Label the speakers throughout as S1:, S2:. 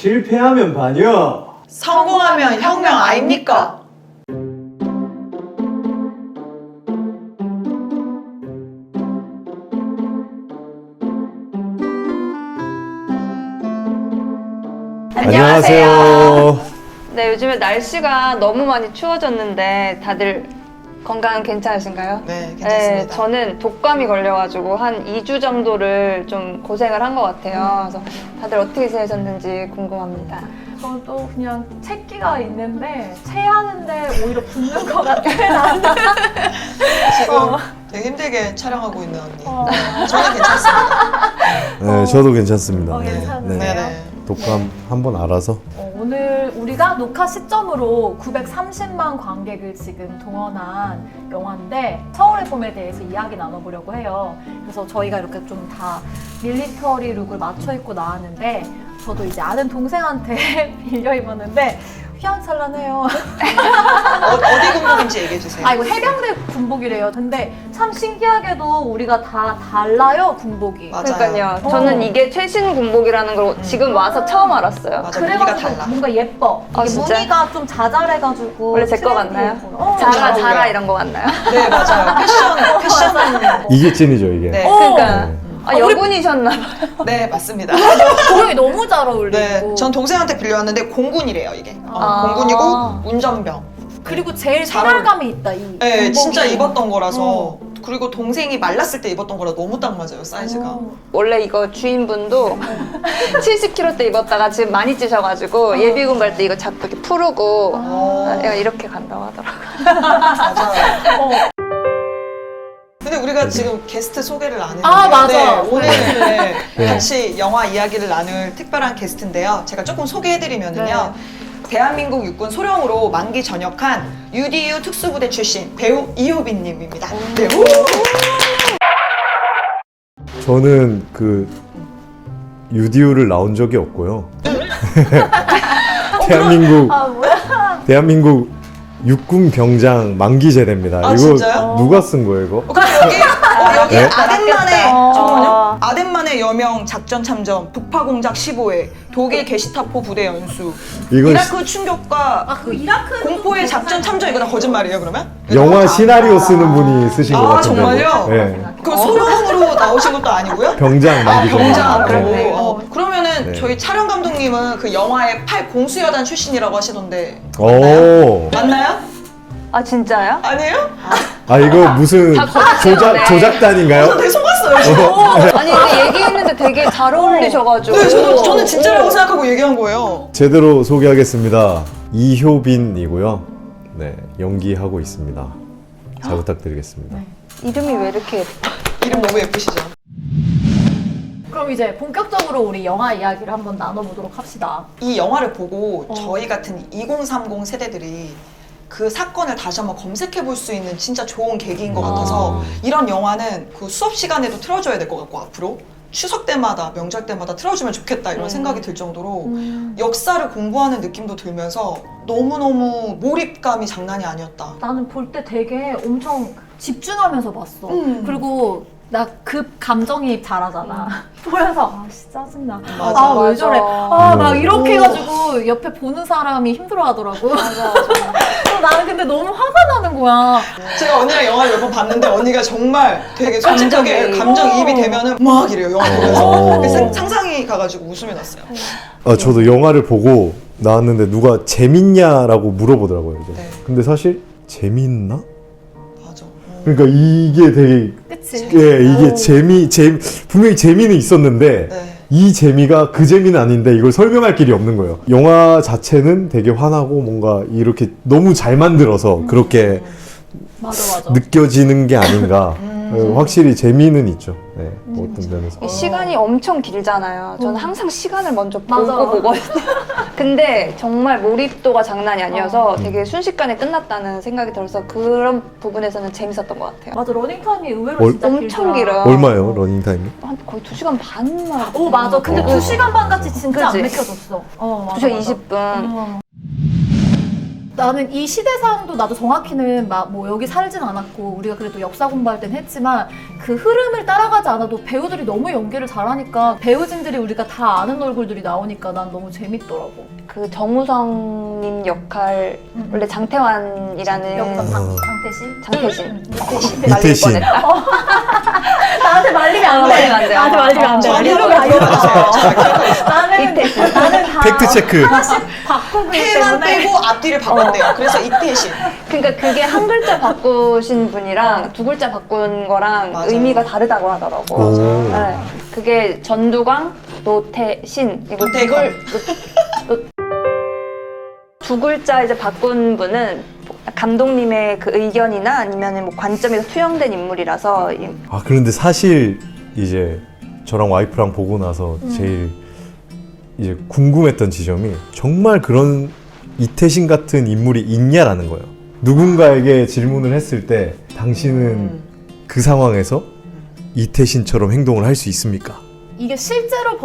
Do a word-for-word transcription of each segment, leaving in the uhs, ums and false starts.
S1: 실패하면 반역,
S2: 성공하면 혁명 아닙니까?
S3: 안녕하세요.
S4: 네, 요즘에 날씨가 너무 많이 추워졌는데 다들 건강 괜찮으신가요?
S2: 네, 괜찮습니다.
S4: 네, 저는 독감이 걸려가지고 한 이 주 정도를 좀 고생을 한 것 같아요. 그래서 다들 어떻게 지내셨는지 궁금합니다.
S5: 저도 그냥 채기가 있는데 체하는데 오히려 붓는 것 같아.
S2: 지금
S5: 어.
S2: 되게 힘들게 촬영하고 있는 언니.
S5: 어.
S2: 저는 괜찮습니다.
S3: 네, 저도 괜찮습니다.
S5: 어, 괜찮으세요?
S2: 네, 네.
S3: 독감 한번 알아서.
S5: 어, 오늘 우리가 녹화 시점으로 구백삼십만 관객을 지금 동원한 영화인데 서울의 봄에 대해서 이야기 나눠보려고 해요. 그래서 저희가 이렇게 좀 다 밀리터리 룩을 맞춰 입고 나왔는데 저도 이제 아는 동생한테 빌려 입었는데 휘황찬란해요.
S2: 어, 어디 군복인지 얘기해 주세요.
S5: 아 이거 해병대 군복이래요. 근데 참 신기하게도 우리가 다 달라요 군복이.
S2: 맞아요.
S4: 그러니까요.
S5: 어.
S4: 저는 이게 최신 군복이라는 걸 지금 와서 처음 알았어요.
S2: 맞아, 무늬가
S5: 그래가지고
S2: 달라.
S5: 뭔가 예뻐.
S4: 아,
S5: 이게
S4: 진짜?
S5: 무늬가 좀 자잘해가지고
S4: 원래 제 거
S5: 트렌디
S4: 같나요?
S5: 예뻐. 어,
S2: 잘
S4: 자라,
S2: 어울려요.
S4: 자라 이런 거 같나요?
S2: 네, 맞아요. 패션, 패션.
S3: 이게 찐이죠, 이게.
S2: 네.
S5: 어.
S4: 그러니까
S3: 네.
S4: 아, 여군이셨나봐요.
S2: 네, 맞습니다.
S5: 고용이 너무 잘 어울리고.
S2: 네, 전 동생한테 빌려왔는데 공군이래요, 이게. 어,
S4: 아.
S2: 공군이고 운전병.
S5: 그리고 제일
S2: 잘
S5: 생활감이 있다 이.
S2: 네,
S5: 군복이.
S2: 진짜 입었던 거라서.
S5: 어.
S2: 그리고 동생이 말랐을 때 입었던 거라 너무 딱 맞아요, 사이즈가.
S5: 어.
S4: 원래 이거 주인분도 칠십 킬로그램 때 입었다가 지금 많이 찌셔가지고 예비군 갈 때 이거 자꾸 이렇게 푸르고
S2: 어.
S4: 아, 이렇게 간다고 하더라고요.
S2: 맞아요.
S5: 어.
S2: 근데 우리가 지금 게스트 소개를 안 했는데
S5: 아, 맞아.
S2: 네, 오늘 네,
S3: 네.
S2: 같이 영화 이야기를 나눌 특별한 게스트인데요. 제가 조금 소개해드리면은요. 대한민국 육군 소령으로 만기 전역한 유디유 특수부대 출신 배우 이효빈님입니다. 네. 우!
S3: 저는 그 유디오를 나온 적이 없고요. 대한민국
S5: 아 뭐야?
S3: 대한민국 육군 병장 만기 제대입니다.
S2: 아,
S3: 이거
S2: 진짜요?
S3: 누가 쓴 거예요, 이거?
S2: 어, 그럼 여기 어, 여기
S3: 네?
S2: 아덴만의
S4: 어.
S2: 잠깐만요. 아덴만의 여명 작전 참전 북파 공작 십오 회 독일 게시타포 부대 연수
S3: 이건
S2: 이라크 충격과
S5: 아 그 이라크
S2: 공포의 작전 참전 이거 다 거짓말이에요 그러면?
S3: 영화 시나리오 쓰는 분이 쓰신 것
S2: 아,
S3: 같은데.
S2: 정말요?
S3: 네.
S2: 그 소령으로 나오신 것도 아니고요?
S3: 병장
S2: 아,
S3: 만기
S2: 병장.
S3: 제대.
S2: 네.
S3: 네.
S2: 어, 그러면은
S3: 네.
S2: 저희 촬영 감독님은 그 영화의 팔 공수여단 출신이라고 하시던데
S3: 오.
S2: 맞나요?
S4: 아 진짜요?
S2: 아니에요?
S3: 아, 이거 무슨
S4: 다 거짓말이네.
S3: 조작 조작단인가요?
S2: 저 되게 속았어요 지금.
S4: 아니 근데 얘기했는데 되게 잘 어울리셔가지고
S2: 네, 저도, 저는 진짜라고 생각하고 얘기한 거예요.
S3: 제대로 소개하겠습니다. 이효빈이고요. 네, 연기하고 있습니다. 잘 부탁드리겠습니다.
S4: 이름이 왜 이렇게 예뻐?
S2: 이름 너무 예쁘시죠?
S5: 그럼 이제 본격적으로 우리 영화 이야기를 한번 나눠보도록 합시다.
S2: 이 영화를 보고
S5: 어.
S2: 저희 같은 이공삼공 세대들이 그 사건을 다시 한번 검색해 볼 수 있는 진짜 좋은 계기인 것 같아서 이런 영화는 그 수업 시간에도 틀어줘야 될 것 같고 앞으로 추석 때마다 명절 때마다 틀어주면 좋겠다 이런
S4: 음.
S2: 생각이 들 정도로 역사를 공부하는 느낌도 들면서 너무너무 몰입감이 장난이 아니었다.
S5: 나는 볼 때 되게 엄청 집중하면서 봤어.
S2: 음.
S5: 그리고 나 급 감정이입 잘하잖아. 보면서 아 진짜 짜증나.
S2: 맞아,
S5: 아 왜
S4: 맞아.
S5: 저래. 아 막
S3: 음.
S5: 이렇게
S2: 오.
S5: 해가지고 옆에 보는 사람이 힘들어하더라고.
S4: 맞아.
S5: 그래서 나는 근데 너무 화가 나는 거야.
S2: 제가 언니랑 영화를 몇 번 봤는데 언니가 정말 되게 솔직하게
S4: 감정이입.
S2: 감정이입이 되면은 막 이래요 영화 보면서
S3: 오.
S2: 그래서 상상이 가가지고 웃음이 났어요.
S3: 아, 저도 영화를 보고 나왔는데 누가 재밌냐라고 물어보더라고요. 이제.
S2: 네.
S3: 근데 사실 재밌나?
S2: 맞아. 어.
S3: 그러니까 이게 되게
S5: 그치?
S3: 예, 이게
S5: 오.
S3: 재미 재 분명히 재미는 있었는데
S2: 네.
S3: 이 재미가 그 재미는 아닌데 이걸 설명할 길이 없는 거예요. 영화 자체는 되게 환하고 뭔가 이렇게 너무 잘 만들어서 그렇게
S5: 맞아 맞아.
S3: 느껴지는 게 아닌가.
S2: 음.
S3: 어, 확실히 재미는 있죠. 네, 뭐 어떤 면에서.
S4: 이 시간이 엄청 길잖아요. 저는
S5: 음.
S4: 항상 시간을 먼저
S5: 맞아.
S4: 보고 보거든요. 근데 정말 몰입도가 장난이 아니어서
S3: 어.
S4: 되게 순식간에 끝났다는 생각이 들어서 그런 부분에서는 재밌었던 것 같아요.
S5: 맞아 러닝타임이 의외로
S3: 얼-
S5: 진짜
S4: 엄청
S5: 길더라.
S4: 길어.
S3: 얼마예요, 러닝 타임이?
S4: 한 거의 두 시간 반만.
S5: 오 맞아. 근데
S3: 어.
S5: 두 시간 반 같이 진짜
S4: 그치?
S5: 안 맥혀졌어. 어 맞아.
S4: 두 시간
S5: 맞아.
S4: 이십 분.
S5: 어. 나는 이 시대상도 나도 정확히는 막 뭐 여기 살진 않았고 우리가 그래도 역사 공부할 땐 했지만 그 흐름을 따라가지 않아도 배우들이 너무 연기를 잘하니까 배우진들이 우리가 다 아는 얼굴들이 나오니까 난 너무 재밌더라고.
S4: 그 정우성님 역할
S5: 음.
S4: 원래 장태환이라는
S5: 역사 장,
S3: 어.
S5: 장태신?
S4: 장태신
S5: 이태신.
S4: 날릴
S3: 이태신.
S4: 뻔했다.
S5: 나한테 말리면 안 돼.
S4: 말리면 안 돼요.
S5: 나한테 말리면 안 돼.
S2: 저한테
S5: 이러면
S2: 한번
S5: 안 돼.
S2: 물어봐주세요. 제가 기억하고 있어요.
S5: 나는
S4: 이태신.
S5: 나는 다
S3: 팩트 체크.
S5: 하나씩 바꾸기
S2: 해만
S5: 때문에
S2: 빼고 앞뒤를 바꿨대요. 그래서 이태신.
S4: 그러니까 그게 한 글자 바꾸신 분이랑 두 글자 바꾼 거랑
S2: 맞아요.
S4: 의미가 다르다고 하더라고.
S3: 오.
S4: 네. 그게 전두광, 노태신 이거
S2: 노태건.
S4: 이걸 노- 노- 두 글자 이제 바꾼 분은 감독님의 그 의견이나 아니면 뭐 관점에서 투영된 인물이라서 이-
S3: 아 그런데 사실 이제 저랑 와이프랑 보고 나서 제일 이제 궁금했던 지점이 정말 그런 이태신 같은 인물이 있냐라는 거예요. 누군가에게 질문을 했을 때 당신은
S2: 음.
S3: 그 상황에서 이태신처럼 행동을 할 수 있습니까?
S5: 이게 실제로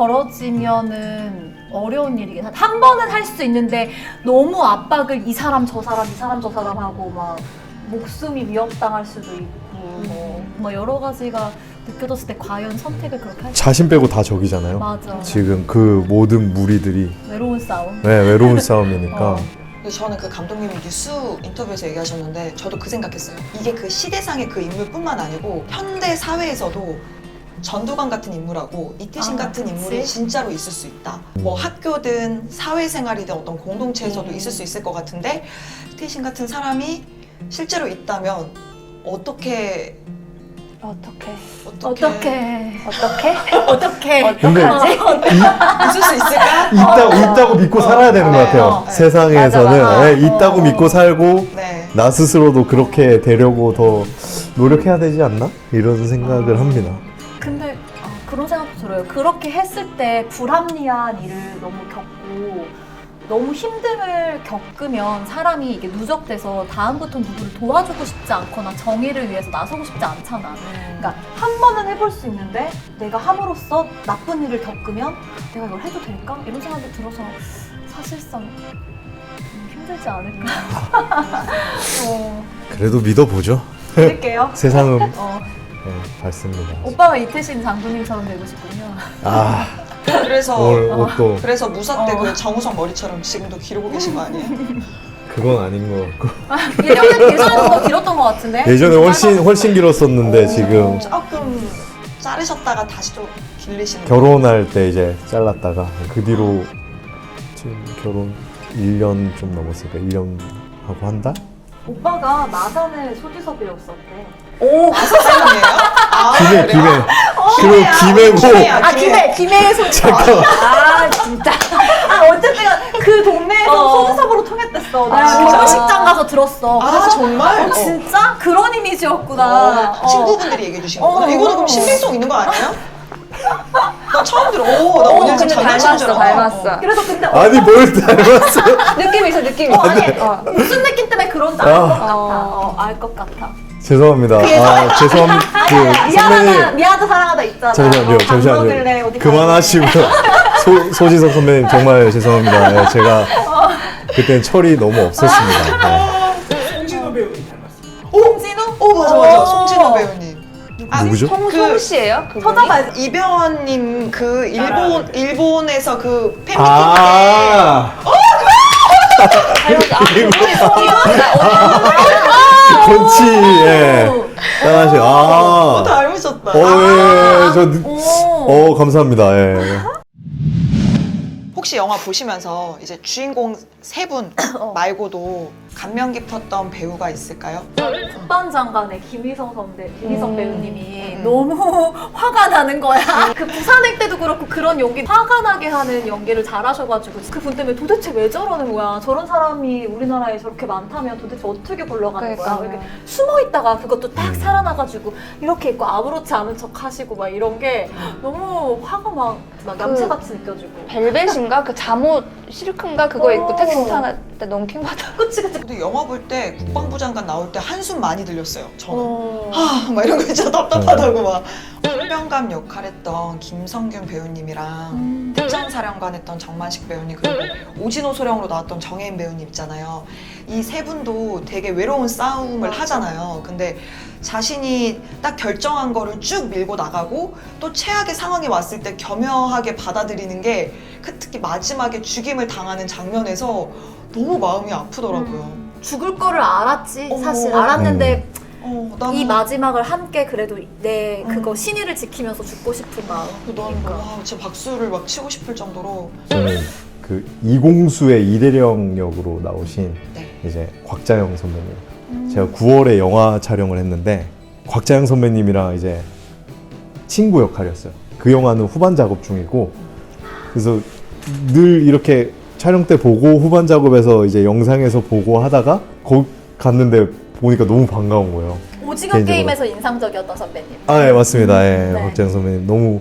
S5: 벌어지면은 어려운 일이긴 하다. 한 번은 할 수 있는데 너무 압박을 이 사람 저 사람 이 사람 저 사람 하고 막 목숨이 위협당할 수도 있고 뭐, 뭐 여러 가지가 느껴졌을 때 과연 선택을 그렇게 할 수
S3: 자신 빼고 다 적이잖아요.
S5: 맞아.
S3: 지금 그 모든 무리들이
S5: 외로운 싸움.
S3: 네, 외로운 싸움이니까
S5: 어.
S2: 그래서 저는 그 감독님이 뉴스 인터뷰에서 얘기하셨는데 저도 그 생각했어요. 이게 그 시대상의 그 인물뿐만 아니고 현대 사회에서도 전두광 같은 인물하고 이태신
S5: 아,
S2: 같은
S5: 그치?
S2: 인물이 진짜로 있을 수 있다. 뭐 학교든 사회생활이든 어떤 공동체에서도
S5: 음.
S2: 있을 수 있을 것 같은데 이태신 같은 사람이 실제로 있다면 어떻게
S4: 어떻게
S2: 어떻게,
S5: 어떻게
S4: 어떻게
S5: 어떻게
S3: 근데
S2: 있을 수 있을까?
S3: 있다, 있다고 믿고 살아야 되는 것
S2: 네,
S3: 같아요.
S2: 어, 네.
S3: 세상에서는
S4: 맞아, 맞아.
S3: 네, 있다고
S5: 어.
S3: 믿고 살고
S2: 네.
S3: 나 스스로도 그렇게 되려고 더 노력해야 되지 않나? 이런 생각을
S5: 아.
S3: 합니다.
S5: 근데 아, 그런 생각도 들어요. 그렇게 했을 때 불합리한 일을 너무 겪고 너무 힘듦을 겪으면 사람이 이게 누적돼서 다음부터 누구를 도와주고 싶지 않거나 정의를 위해서 나서고 싶지 않잖아. 그러니까 한 번은 해볼 수 있는데 내가 함으로써 나쁜 일을 겪으면 내가 이걸 해도 될까? 이런 생각이 들어서 사실상 음, 힘들지 않을까? 어,
S3: 그래도 믿어보죠.
S5: 믿을게요.
S3: 세상은
S5: 어,
S3: 네, 밝습니다.
S5: 오빠가 이태신 장군님처럼 되고 싶군요.
S3: 아
S2: 그래서
S3: 오늘 옷도
S2: 그래서 무사 때
S5: 어.
S2: 그 정우성 머리처럼 지금도 기르고 계신 거 아니에요?
S3: 그건 아닌 것 같고
S5: 예전에 예전에 더 길었던 것 같은데?
S3: 예전에 훨씬 훨씬 길었었는데
S2: 어,
S3: 지금
S2: 조금 자르셨다가 다시 좀 길리시는
S3: 결혼할 때 이제 잘랐다가 그 뒤로 지금 결혼 일 년 좀 넘었으니까 일 년 하고 한 달?
S5: 오빠가 마산의 소지섭 배웠었대.
S2: 오 마사상이에요? 아
S3: 김해
S2: 그래요?
S3: 김해 그리고 김해고
S2: 김해야.
S5: 아 김해 김해의 소지섭.
S3: 잠깐만
S4: 아 진짜
S5: 아 어쨌든 그 동네에서
S2: 어.
S5: 소지섭으로 통했댔어.
S2: 아,
S5: 나
S2: 진짜?
S5: 결혼식장 가서 들었어.
S2: 아
S5: 그래서
S2: 정말?
S5: 어, 진짜 그런 이미지였구나.
S2: 어, 친구분들이 얘기해 주신 거구나.
S5: 어.
S2: 이거는 그럼 신빙성 있는 거 아니에요? 나 처음 들어. 오, 나
S4: 어,
S2: 오늘
S4: 근데
S2: 장난치는 줄
S4: 닮았어,
S2: 알았어.
S4: 닮았어.
S5: 그래서 근데
S3: 아니 뭘 닮았어
S4: 느낌이 있어 느낌이
S5: 어, 아니
S4: 있어. 어.
S5: 무슨 느낌 때문에 그런지 알 것
S3: 아.
S5: 같아. 어, 알 것 같아.
S3: 죄송합니다 아 죄송합니다 그
S5: 미안하다,
S3: 선배님
S5: 미안하다 사랑하다 있잖아.
S3: 잠시만요
S5: 어, 밥 먹을래,
S3: 잠시만요
S5: 어디
S3: 그만하시고 소, 소지섭 선배님 정말 죄송합니다 네, 제가 그때는 철이 너무 없었습니다 네.
S1: 송진호 배우님 닮았어요.
S5: 홍진우?
S2: 오 맞아 맞아.
S5: 어.
S2: 송진호 배우님. 아,
S3: 누구죠?
S4: 송,
S2: 그-
S4: 송 씨예요? 그분이?
S5: 찾아봐야지.
S2: 이병헌님 그 일본 일본에서 그 팬미팅 때
S3: 아
S4: 닮았어. 아 그분이 송이었구나.
S3: 건치 예 짠하시
S2: 어,
S3: 아
S2: 닮으셨다.
S3: 어예저
S5: 오.
S3: 어 감사합니다 예.
S2: 혹시 영화 보시면서 이제 주인공 세 분 말고도 감명 깊었던 배우가 있을까요?
S5: 국방장관의 김희성 선배, 김희성
S4: 음.
S5: 배우님이
S2: 음.
S5: 너무 화가 나는 거야. 그 부산행 때도 그렇고 그런 연기 화가 나게 하는 연기를 잘하셔가지고 그분 때문에 도대체 왜 저러는 거야? 저런 사람이 우리나라에 저렇게 많다면 도대체 어떻게 굴러가는 거야?
S4: 그러니까요.
S5: 이렇게 숨어 있다가 그것도 딱 살아나가지고 이렇게 있고 아무렇지 않은 척 하시고 막 이런 게 너무 화가 막, 막 얌체같이 느껴지고.
S4: 벨벳인가 그 잠옷 실크인가 그거 입고
S5: 오.
S4: 택시 타는 때 너무 킹받아.
S5: 그치 그치.
S2: 근데 영화 볼 때 국방부 장관 나올 때 한숨 많이 들렸어요. 저는.
S5: 어.
S2: 하, 막 이런 거 진짜 답답하다고 막. 헌병감 역할했던 김성균 배우님이랑
S5: 음.
S2: 특전사령관 했던 정만식 배우님 그리고 오진호 소령으로 나왔던 정혜인 배우님 있잖아요. 이 세 분도 되게 외로운 싸움을
S5: 맞아.
S2: 하잖아요. 근데 자신이 딱 결정한 거를 쭉 밀고 나가고 또 최악의 상황이 왔을 때 겸허하게 받아들이는 게 그 특히 마지막에 죽임을 당하는 장면에서 너무 마음이 아프더라고요.
S5: 음. 죽을 거를 알았지
S2: 어머.
S5: 사실 알았는데
S2: 어, 난
S5: 이 마지막을 함께 그래도 내 그거
S2: 음.
S5: 신의를 지키면서 죽고 싶은 마음.
S2: 난 와, 진짜 박수를 막 치고 싶을 정도로
S3: 저는 그 이공수의 이대령 역으로 나오신
S2: 네.
S3: 이제 곽자영 선배님.
S5: 음.
S3: 제가 구월에 영화 촬영을 했는데 곽자영 선배님이랑 이제 친구 역할이었어요. 그 영화는 후반 작업 중이고 그래서 늘 이렇게 촬영 때 보고 후반 작업에서 이제 영상에서 보고 하다가 거기 갔는데 보니까 너무 반가운 거예요.
S5: 오징어
S3: 개인적으로.
S5: 게임에서 인상적이었던 선배님.
S3: 아, 예, 맞습니다. 예,
S5: 네.
S3: 박재영 선배님 너무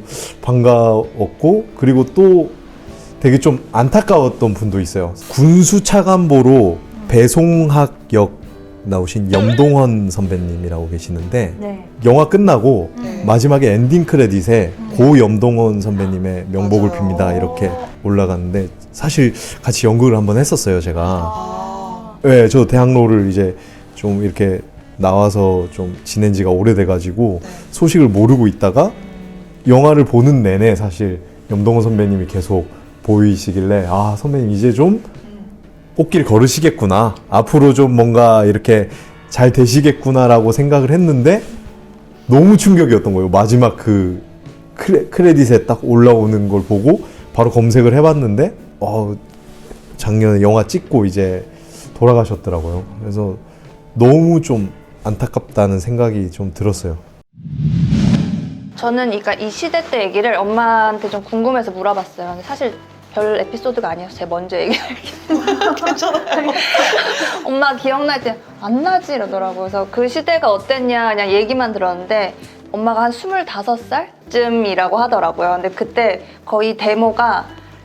S3: 반가웠고 그리고 또 되게 좀 안타까웠던 분도 있어요. 군수 차관보로 배송학 역 나오신 염동헌 선배님이라고 계시는데
S4: 네.
S3: 영화 끝나고
S2: 네.
S3: 마지막에 엔딩 크레딧에 고 염동헌 선배님의 명복을
S2: 맞아요.
S3: 빕니다 이렇게 올라갔는데 사실 같이 연극을 한번 했었어요 제가.
S2: 아.
S3: 네, 저 대학로를 이제 좀 이렇게 나와서 좀 지낸 지가 오래돼가지고
S2: 네.
S3: 소식을 모르고 있다가 영화를 보는 내내 사실 염동헌 선배님이 계속 보이시길래 아 선배님 이제 좀 꽃길 걸으시겠구나 앞으로 좀 뭔가 이렇게 잘 되시겠구나라고 생각을 했는데 너무 충격이었던 거예요. 마지막 그 크레, 크레딧에 딱 올라오는 걸 보고 바로 검색을 해봤는데 어, 작년에 영화 찍고 이제 돌아가셨더라고요. 그래서 너무 좀 안타깝다는 생각이 좀 들었어요.
S4: 저는 그러니까 이 시대 때 얘기를 엄마한테 좀 궁금해서 물어봤어요. 근데 사실 별 에피소드가 아니어서 제가 먼저 얘기할게요.
S2: 괜찮아요.
S4: 엄마 기억날 때 안 나지 이러더라고요. 그래서 그 시대가 어땠냐 그냥 얘기만 들었는데 엄마가 한 스물다섯 살쯤이라고 하더라고요. 근데 그때 거의 데모가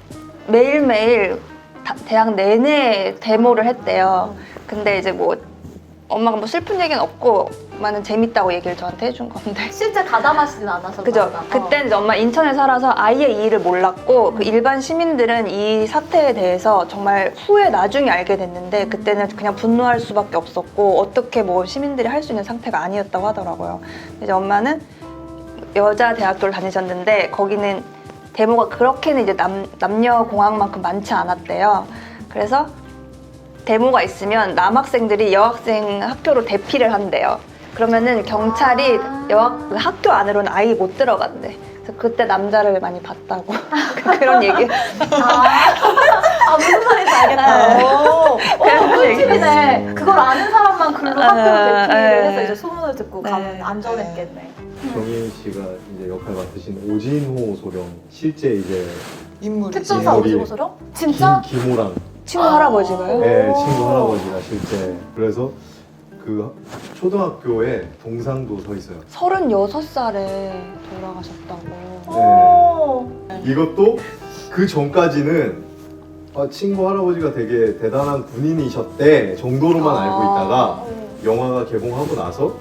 S4: 매일매일 다- 대학 내내 데모를 했대요. 근데 이제 뭐 엄마가 뭐 슬픈 얘기는 없고 엄마는 재밌다고 얘기를 저한테 해준 건데
S5: 실제 가담하시진 않아서.
S4: 그죠?
S5: 그런가?
S4: 그때는 이제 엄마 인천에 살아서 아예 이 일을 몰랐고 그 일반 시민들은 이 사태에 대해서 정말 후에 나중에 알게 됐는데 그때는 그냥 분노할 수밖에 없었고 어떻게 뭐 시민들이 할 수 있는 상태가 아니었다고 하더라고요. 이제 엄마는 여자 대학교를 다니셨는데 거기는 데모가 그렇게는 이제 남, 남녀 공학만큼 많지 않았대요. 그래서 데모가 있으면 남학생들이 여학생 학교로 대피를 한대요. 그러면은 경찰이 여학 그 학교 안으로는 아예 못 들어간대. 그래서 그때 남자를 많이 봤다고 그런 얘기.
S5: 아, 아 무슨 말인지 알겠다. 오, 오, 꿀팁이네. 그걸 아는 사람만 글로 학교로
S4: 아,
S5: 대피를
S4: 네.
S5: 해서 이제 소문을 듣고
S4: 네.
S5: 가면 안전했겠네.
S3: 정인 씨가 이제 역할 맡으신 오진호 소령 실제 이제
S2: 인물이.
S5: 특전사
S3: 인물이-
S5: 오징어 소령? 진짜?
S3: 김, 김호랑
S4: 친구 할아버지가요?
S3: 네, 친구 할아버지가 실제 그래서 그 초등학교에 동상도 서 있어요.
S4: 서른여섯 살에 돌아가셨다고.
S5: 오.
S3: 이것도 그 전까지는 아, 친구 할아버지가 되게 대단한 군인이셨대 정도로만
S4: 아.
S3: 알고 있다가 영화가 개봉하고 나서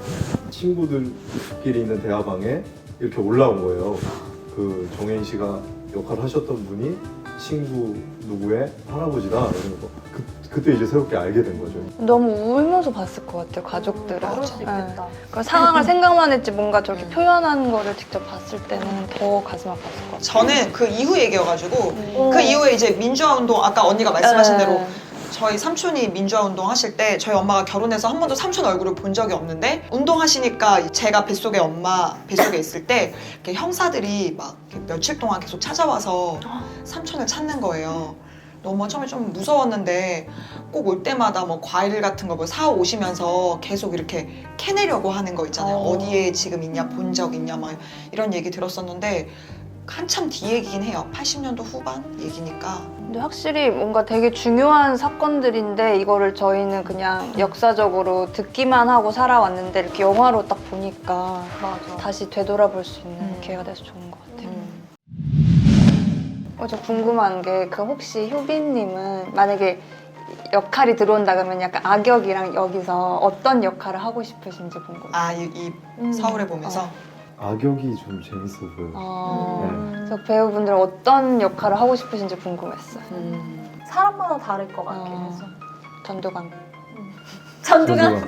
S3: 친구들끼리 있는 대화방에 이렇게 올라온 거예요. 그 정혜인 씨가 역할을 하셨던 분이 친구 누구의 할아버지다 이러면서 그, 그때 이제 새롭게 알게 된 거죠.
S4: 너무 울면서 봤을 것 같아요, 가족들은.
S5: 그럴 수
S4: 네.
S5: 있겠다.
S4: 그 상황을 생각만 했지 뭔가 저렇게 표현한 거를 직접 봤을 때는 더 가슴 아팠을 것 같아요.
S2: 저는 그 이후 얘기여가지고
S5: 오.
S2: 그 이후에 이제 민주화 운동 아까 언니가 말씀하신
S4: 네.
S2: 대로 저희 삼촌이 민주화 운동 하실 때 저희 엄마가 결혼해서 한 번도 삼촌 얼굴을 본 적이 없는데 운동하시니까 제가 뱃속에 엄마 뱃속에 있을 때 이렇게 형사들이 막 이렇게 며칠 동안 계속 찾아와서 삼촌을 찾는 거예요. 너무 처음에 좀 무서웠는데 꼭 올 때마다 뭐 과일 같은 거 뭐 사 오시면서 계속 이렇게 캐내려고 하는 거 있잖아요.
S5: 어.
S2: 어디에 지금 있냐, 본 적 있냐 막 이런 얘기 들었었는데 한참 뒤 얘기긴 해요. 팔십 년도 후반 얘기니까.
S4: 근데 확실히 뭔가 되게 중요한 사건들인데 이거를 저희는 그냥 역사적으로 듣기만 하고 살아왔는데 이렇게 영화로 딱 보니까
S5: 맞아.
S4: 다시 되돌아볼 수 있는
S2: 음.
S4: 기회가 돼서 좋은 것 같아요. 어, 저 궁금한 게 그 혹시 효빈님은 만약에 역할이 들어온다 그러면 약간 악역이랑 여기서 어떤 역할을 하고 싶으신지 궁금해요.
S2: 아, 이, 이
S5: 음.
S2: 서울에 보면서
S3: 악역이 좀 재밌어 보여.
S4: 어,
S3: 네.
S4: 그래서 배우분들 어떤 역할을 하고 싶으신지 궁금했어요.
S2: 음.
S5: 사람마다 다를 것 같긴
S4: 어.
S5: 해서.
S4: 전두광.
S5: 전두가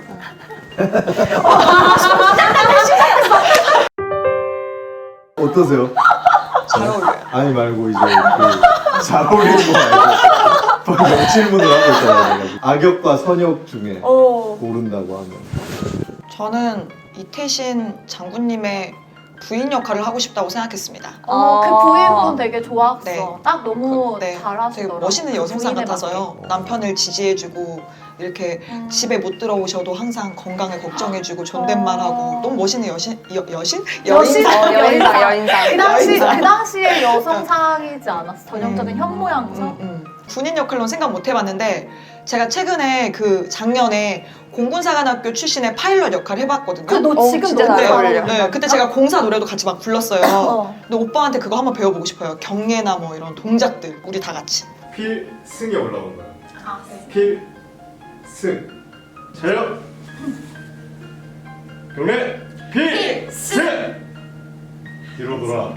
S3: 어떠세요?
S2: 잘 어울려요.
S3: 아니 말고 이제 그 잘 어울리는 거 말고 뭐 질문을 하고 있잖아요. 악역과 선역 중에
S5: 어.
S3: 고른다고 하면
S2: 저는 이태신 장군님의 부인 역할을 하고 싶다고 생각했습니다.
S5: 어, 그 부인분 되게 좋았어.
S2: 네.
S5: 딱 너무
S2: 그, 네.
S5: 잘하시더라고.
S2: 되게 멋있는 여성상
S5: 부인의
S2: 같아서요.
S3: 맞게.
S2: 남편을 지지해주고 이렇게
S5: 음.
S2: 집에 못 들어오셔도 항상 건강을 걱정해주고
S5: 어.
S2: 존댓말하고 너무 멋있는 여신 여, 여신
S5: 여신?
S2: 여인상.
S4: 어, 여인상, 여인상.
S5: 그 당시
S2: 여인상.
S5: 그 당시에 여성상이지 않았어. 전형적인
S2: 음.
S5: 현모양처.
S2: 음, 음. 군인 역할로는 생각 못 해봤는데 제가 최근에 그 작년에 공군사관학교 출신의 파일럿 역할 해봤거든요.
S5: 그 너
S4: 어,
S5: 지금
S4: 진짜
S5: 너무
S4: 잘
S5: 잘
S4: 어울려.
S5: 어울려.
S2: 네, 그때 제가 공사 노래도 같이 막 불렀어요.
S5: 어.
S2: 근데 오빠한테 그거 한번 배워보고 싶어요. 경례나 뭐 이런 동작들 우리 다 같이.
S3: 필승에 올라온 거야.
S5: 아, 네.
S3: 필승 차렷 경례 필승 뒤로 돌아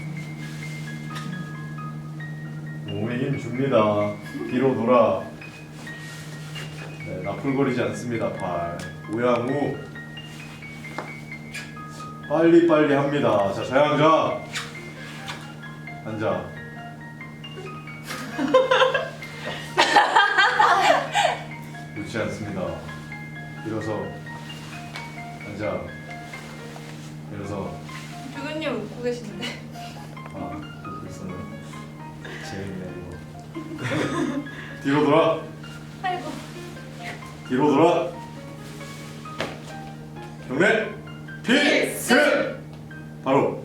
S3: 몸에 힘 줍니다. 뒤로 돌아. 네, 나풀거리지 않습니다. 팔 우양우 빨리빨리 합니다. 자, 자양자 앉아. 좋지 않습니다. 일어서 앉아. 일어서.
S6: 주근님 웃고 계시는데.
S3: 아, 웃고 있었네. 재밌네 이거. 뒤로 돌아.
S6: 아이고.
S3: 뒤로 돌아. 경례 필승. 바로.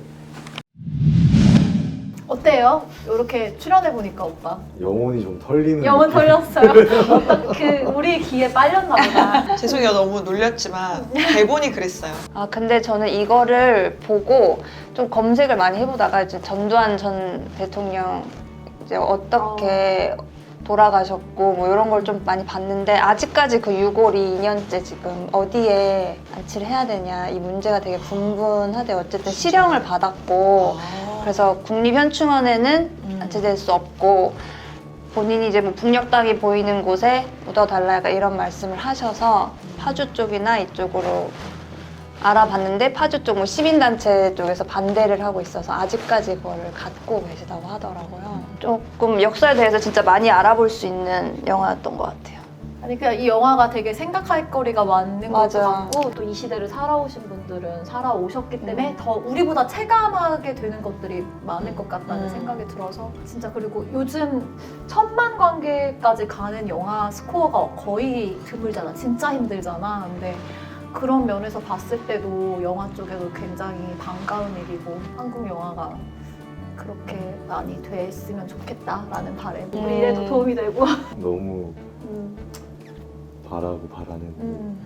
S5: 어때요? 이렇게 출연해 보니까 오빠.
S3: 영혼이 좀 털리는.
S5: 영혼
S3: 느낌.
S5: 털렸어요. 그 우리 귀에 빨렸나 보다.
S2: 죄송해요. 너무 놀렸지만 대본이 그랬어요.
S4: 아 근데 저는 이거를 보고 좀 검색을 많이 해보다가 이제 전두환 전 대통령 이제 어떻게 돌아가셨고 뭐 이런 걸 좀 많이 봤는데 아직까지 그 유골이 이 년째 지금 어디에 안치를 해야 되냐 이 문제가 되게 분분하대요. 어쨌든 실형을 받았고 그래서 국립현충원에는 안치될 수 없고 본인이 이제 뭐 북녘 땅이 보이는 곳에 묻어달라 약간 이런 말씀을 하셔서 파주 쪽이나 이쪽으로 알아봤는데 파주 쪽 뭐 시민단체 쪽에서 반대를 하고 있어서 아직까지 그거를 갖고 계시다고 하더라고요. 조금 역사에 대해서 진짜 많이 알아볼 수 있는 영화였던 것 같아요.
S5: 아니 그냥 이 영화가 되게 생각할 거리가 많은 것
S4: 맞아.
S5: 같고 또 이 시대를 살아오신 분들은 살아오셨기 때문에
S4: 음.
S5: 더 우리보다 체감하게 되는 것들이 많을 것 같다는
S4: 음.
S5: 생각이 들어서 진짜 그리고 요즘 천만 관객까지 가는 영화 스코어가 거의 드물잖아. 진짜 힘들잖아. 근데 그런 면에서 봤을 때도 영화 쪽에도 굉장히 반가운 일이고 한국 영화가 그렇게 많이 됐으면 좋겠다라는 바람. 우리
S4: 음.
S5: 일에도 도움이 되고.
S3: 너무
S5: 음.
S3: 바라고 바라는.
S5: 음.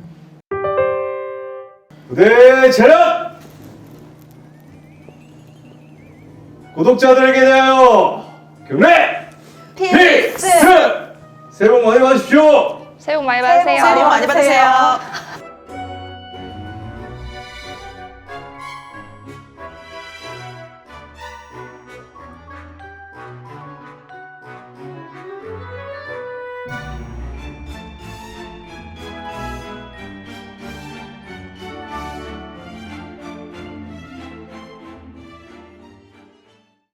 S3: 무대 차렷! 구독자들에게 대하여 경례 필승! 새해 복 많이 받으십시오!
S4: 새해 복 많이
S2: 새해 복
S4: 받으세요.
S2: 많이 받으세요.